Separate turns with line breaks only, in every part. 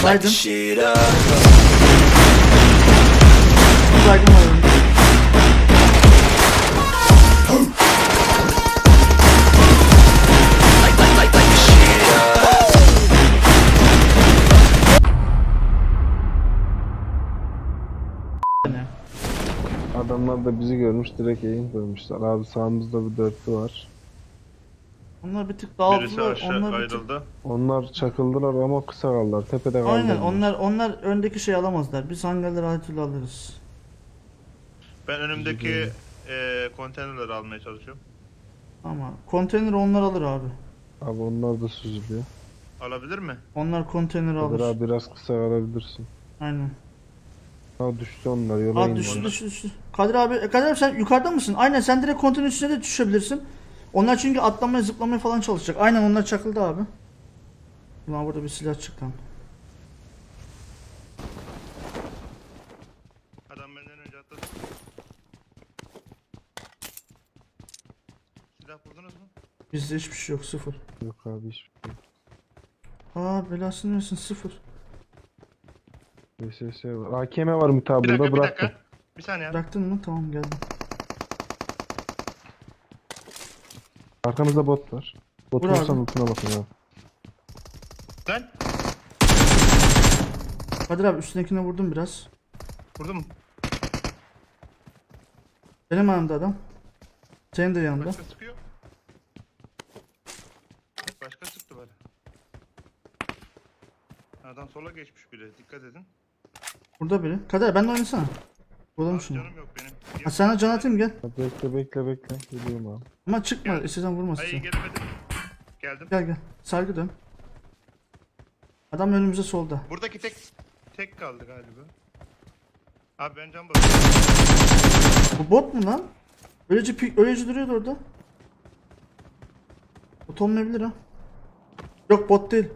Baydın. Baygın var önümde.
Adamlar da bizi görmüş, direkt eğim koymuşlar. Abi sağımızda bir dörtlü var.
Onlar bir tık
Birisi
dağıldılar.
aşağı
Onlar bir tık...
ayrıldı.
Onlar çakıldılar ama kısa kaldılar. Tepede kaldılar.
Aynen onlar öndeki şey alamazlar. Biz hangarları her türlü alırız.
Ben önümdeki konteynerleri almaya çalışıyorum.
Ama konteyner onlar alır abi.
Abi onlar da süzülüyor.
Alabilir mi?
Onlar konteyneri
Kadir
alır.
abi biraz kısa kalabilirsin.
Aynen.
Ha düştü onlar, yola
Aa
indi.
düştü. Kadir abi sen yukarıda mısın? Aynen sen direkt konteyner üstüne de düşebilirsin. Onlar çünkü atlamaya zıplamaya falan çalışacak. Aynen onlar çakıldı abi. Ulan burada bir silah çıktı.
Adam benden önce atladı. Silah buldunuz mu?
Bizde hiçbir şey yok, sıfır.
Yok abi hiçbir şey.
Aa belasını versin, sıfır.
VSS var. AKM var mutabında,
Bir
bıraktım.
dakika. Bir saniye.
Bıraktın mı? Tamam geldim.
Arkamızda bot var. Bot
Vur abi.
olsan ultuna bakın ya.
Lan.
Kadir abi üstündekine vurdum biraz.
Vurdun mu?
Benim yanımda adam. Senin de yanında.
Başka sıkıyor. Başka sıktı böyle. Adam sola geçmiş bile. Dikkat edin.
Burada biri. Kadir benimle oynasana. Vuralım
Abi
şunu.
canım yok benim.
Ha, sana can atayım gel.
Ha, bekle. Geliyorum abi.
Ama çıkma, istesen
Hayır
vurmasın.
gelemedim. Geldim.
Gel. Sargı dön. Adam önümüzde solda.
Buradaki tek kaldı galiba. Abi ben can basıyorum.
Bu bot mu lan? Öylece duruyordu orada. Bot olmayabilir ha. Yok bot değil.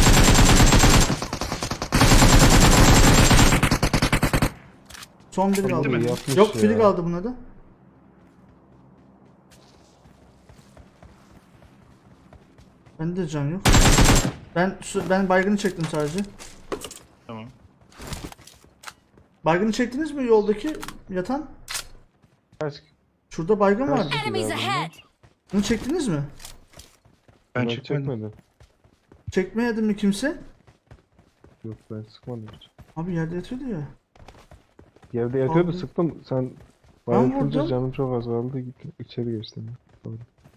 Son biri kaldı.
mi?
Yapmış
Yok
ya.
biri kaldı buna da. Bende can yok. Ben baygını çektim sadece.
Tamam.
Baygını çektiniz mi yoldaki yatan?
Kaç?
Şurada baygın
Kaç
vardı.
kişi
Enemies
var bunlar?
ahead!
Bunu çektiniz mi?
Ben
Ben
çekmedim.
çekmedim.
Çekmeyedi mi kimse?
Yok ben sıkmadım hiç.
Abi yerde yatıyordu ya.
Yerde yatıyordu,
Abi.
sıktım. Sen
Ben
bayıltınca
vurdum.
canım çok az kaldı. Gittim içeri geçtim. Doğru.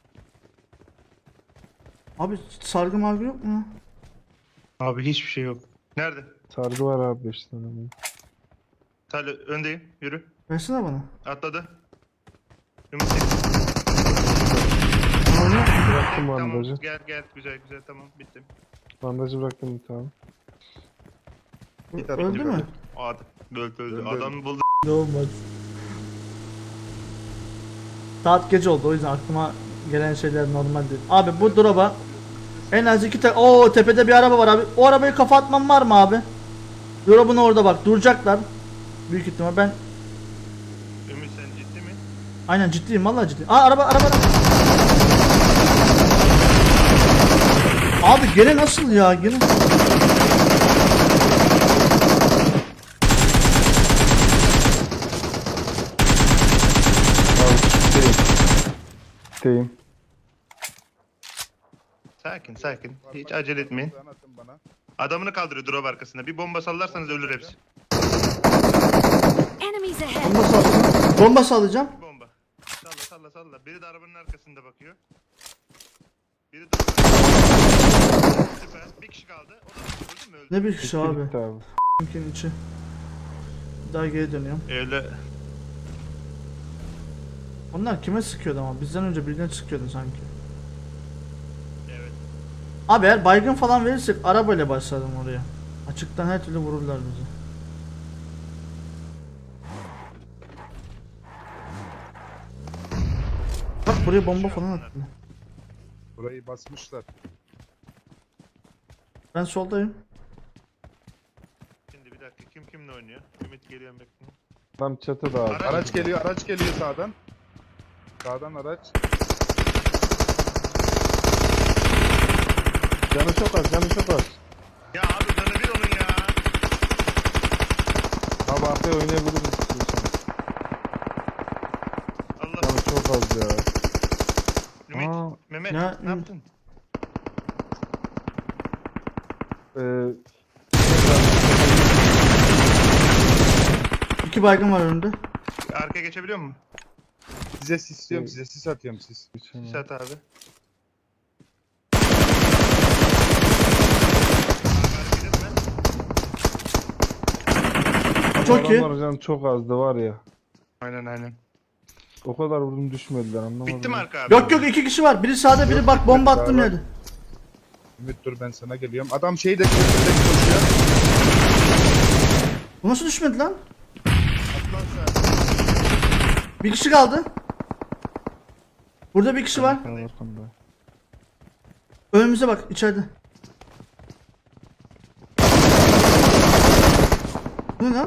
Abi sargı margı yok mu?
Abi hiçbir şey yok. Nerede?
Sargı var abi 5 tane.
Talha öndeyim. Yürü.
Versene bana.
Atladı. Ümit.
Oyna.
Bıraktım
Tamam
bandajı.
gel güzel tamam bittim.
Bandajı bıraktım bir tane.
Öldü mü?
Adam öldü. Adamı buldu.
Olmaz. Saat gece oldu, o yüzden aklıma gelen şeyler normal değil. Abi bu drop'a en az 2 tane. Oo tepede bir araba var abi. O arabayı kafa atmam var mı abi? Drop'un orada bak, duracaklar. Büyük ihtimal ben
Ümit sen ciddi mi?
aynen ciddiyim, vallahi ciddiyim. Aa araba. Abi gene nasıl ya gene?
Deyim.
Sakin. Hiç acele etmeyin. Adamını kaldırıyor drop arkasında. Bir bomba sallarsanız ölür hepsi.
Enemies ahead!
Bomba sallayacağım. Bomba sallayacağım.
Bir bomba. Salla. Biri de arabanın arkasında bakıyor. Biri de... Süper. Bir kişi kaldı. O da öldü mü? Öldü.
Ne bir kişi abi.
Bitti abi.
Mümkün içi. Bir daha geri dönüyorum.
Öyle.
Onlar kime sıkıyordu ama bizden önce birine sıkıyordu sanki.
Evet.
Abi eğer baygın falan verirsek arabayla başladım oraya. Açıktan her türlü vururlar bizi. Bak buraya bomba falan attı.
Burayı basmışlar.
Ben soldayım.
Şimdi bir dakika. Kim kimle oynuyor? Ümit geliyor bekleyin.
Tam çatıda abi.
Araç geliyor sağdan. Sağdan araç.
Canı çok az.
Ya abi canı bir onun ya.
Abi arkaya oynayabiliriz istiyorsan.
Allah.
Canı çok az ya.
Ümit,
Aa.
Mehmet
Ya,
ne yaptın?
Ee,
2 baygın var önünde.
Arkaya geçebiliyor musun?
Size sisliyorum, size sis atıyorum sis.
geçemem.
Sat abi.
Çok iyi.
Adamlar canı çok azdı var ya.
Aynen.
O kadar vurdum düşmediler anlamadım.
Bitti mi arka abi?
Yok 2 kişi var. Biri sağda biri bak bomba attım
Beraber.
yerde.
Ümit dur ben sana geliyorum. Adam şeyde koşuyor.
Bu nasıl düşmedi lan?
Atlan sen.
Bir kişi kaldı. Burada bir kişi var.
Arkada, arkamda.
Önümüze bak içeride. Bu ne lan?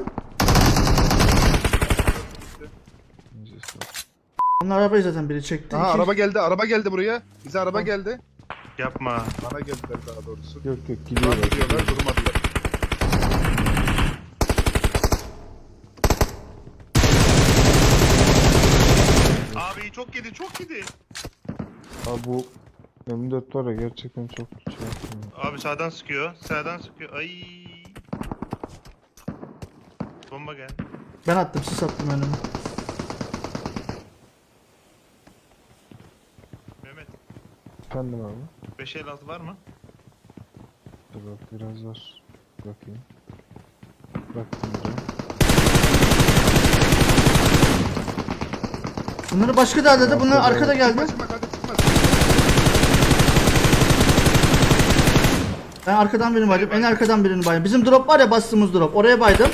Neyse.
Onlar arabayı zaten biri çekti.
Aha
İki-
araba geldi buraya. Bize araba geldi.
Yapma.
Bana geldiler daha doğrusu.
Yok
Şu an
gidiyorlar.
gidiyorlar durmadılar.
Abi çok yedi.
Abi bu M4 var ya gerçekten çok şey yapıyor.
Abi sağdan sıkıyor. Ay. Bomba gel.
Ben attım siz attım önüme.
Mehmet
Efendim abi.
556 var mı?
Dur bak biraz var. Bakayım. Baktım buraya.
Bunları başka da halde bunlar arkada geldi.
Çıkma hadi çıkma.
Ben arkadan birini baydım. En arkadan birini baydım. Bizim drop var ya bastığımız drop. Oraya baydım.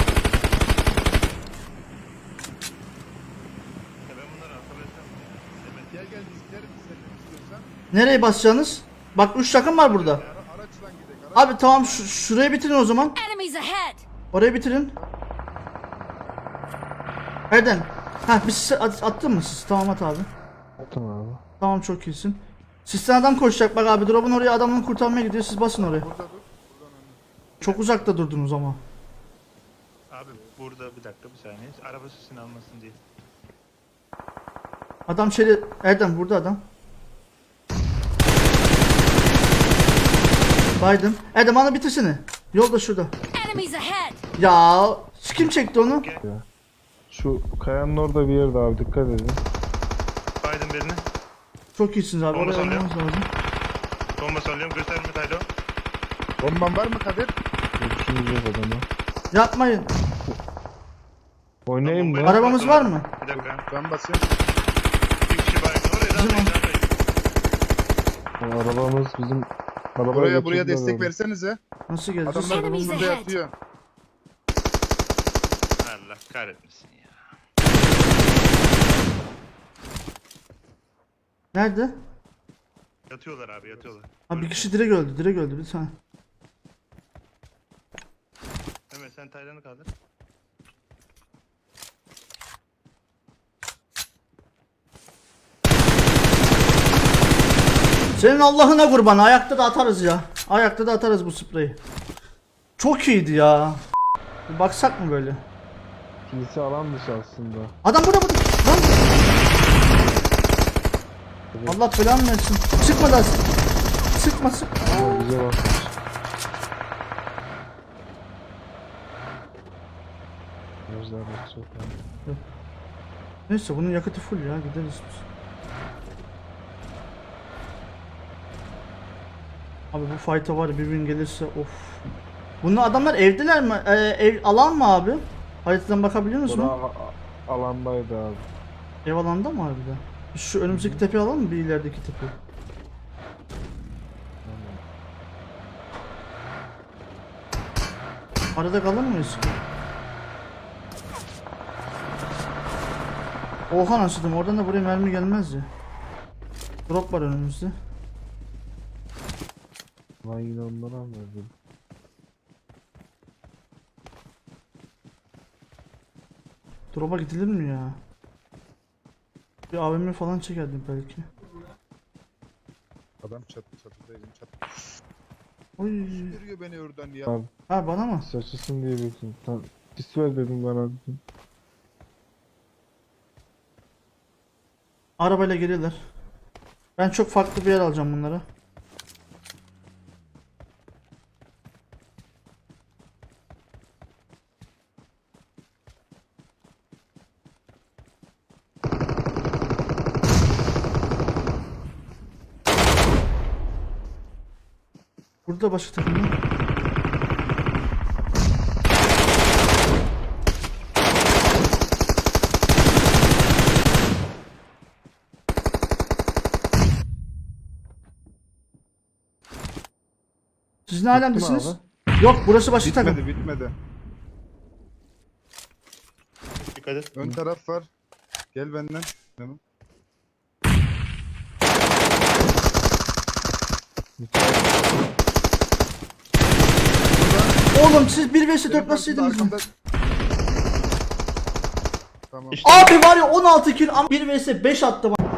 Ya ben bunları hatırlayacağım. Mehmet
Gel biz gidelim sen istiyorsan.
Nereye basacaksınız? Bak 3 takım var burada.
Araçla gidelim. Araç.
Abi tamam şurayı bitirin o zaman.
Enemies ahead!
Orayı bitirin. Erdem. Ha bir sis attın mı siz? Tamam at abi.
Tamam abi.
Tamam çok iyisin. Sizden adam koşacak bak abi. Drop'un oraya adamını kurtarmaya gidiyor. Siz basın oraya.
Burada dur.
Çok uzakta durdunuz ama.
abi burada bir dakika bir saniye. Araba sesini almasın diye.
Adam şeyde Erdem burada adam. Baydım. Erdem ana bitirsene. Yolda şurada.
Enemies ahead!
Ya kim çekti onu?
Şu kayanın orada bir yerde abi dikkat edin.
Biden birini.
Çok iyisiniz abi.
Bomba
Oraya
sallıyor.
almanız lazım.
Bomba sallıyorum. Gösterme Taylo.
Bomban var mı Kadir?
Görüşümüz yok adamı.
Yapmayın.
Oynayayım mı?
Bombayı
Arabamız var mı?
Bir dakika.
Ben basayım.
Bir kişi baygın. Oraya
Bizim
da
Arabamız bizim arabaya
Buraya
götürdüler
destek
onu.
versenize.
Nasıl geleceğiz?
Adamlar
Enemies
burada
ahead.
yatıyor.
Allah kahretmesin ya.
Nerede?
Yatıyorlar abi yatıyorlar.
Ha bir kişi direkt öldü. Direkt öldü bir tane.
Mehmet sen Taylan'ı kaldır.
Senin Allah'ına kurban. Ayakta da atarız ya. Ayakta da atarız bu spreyi. Çok iyiydi ya. Bir baksak mı böyle?
Kilise alan dışı aslında.
Adam burada. Lan. Allah belanı versin. Sıkma da. Sıkma.
Ama bize bakmış. Gözler çok abi.
Neyse bunun yakıtı full ya. Gideriz biz. Abi bu fight'a var ya bir gün gelirse of. Bunlar adamlar evdeler mi? Ev alan mı abi? Haritadan bakabiliyor musun?
Bura alandaydı abi.
Ev alanda mı harbiden? Biz şu önümüzdeki tepe alalım mı bir ilerideki tepe? Arada kalır mıyız? Oha nasıldım oradan da buraya mermi gelmez ya. Drop var önümüzde.
Ben yine onları anladım.
Drop'a gidilir mi ya? Bir AVM falan çekerdim belki.
Adam çatıdaydım çatı.
Oy.
Görüyor beni oradan ya.
Abi
Ha bana mı?
saçısın diye bekliyorum. Tam Sis ver dedim bana. Dedim.
Arabayla geliyorlar. Ben çok farklı bir yer alacağım bunları. Burada başka takım var. Siz ne alemdesiniz? Yok, burası başka takım.
Bitmedi.
Dikkat et.
Ön taraf var. Gel benden. Tamam.
Oğlum siz 1 vs 4
Benim
nasıl yediniz lan?
arkamda- Tamam.
İşte
Abi var ya 16 kill ama 1 vs 5 attı bana.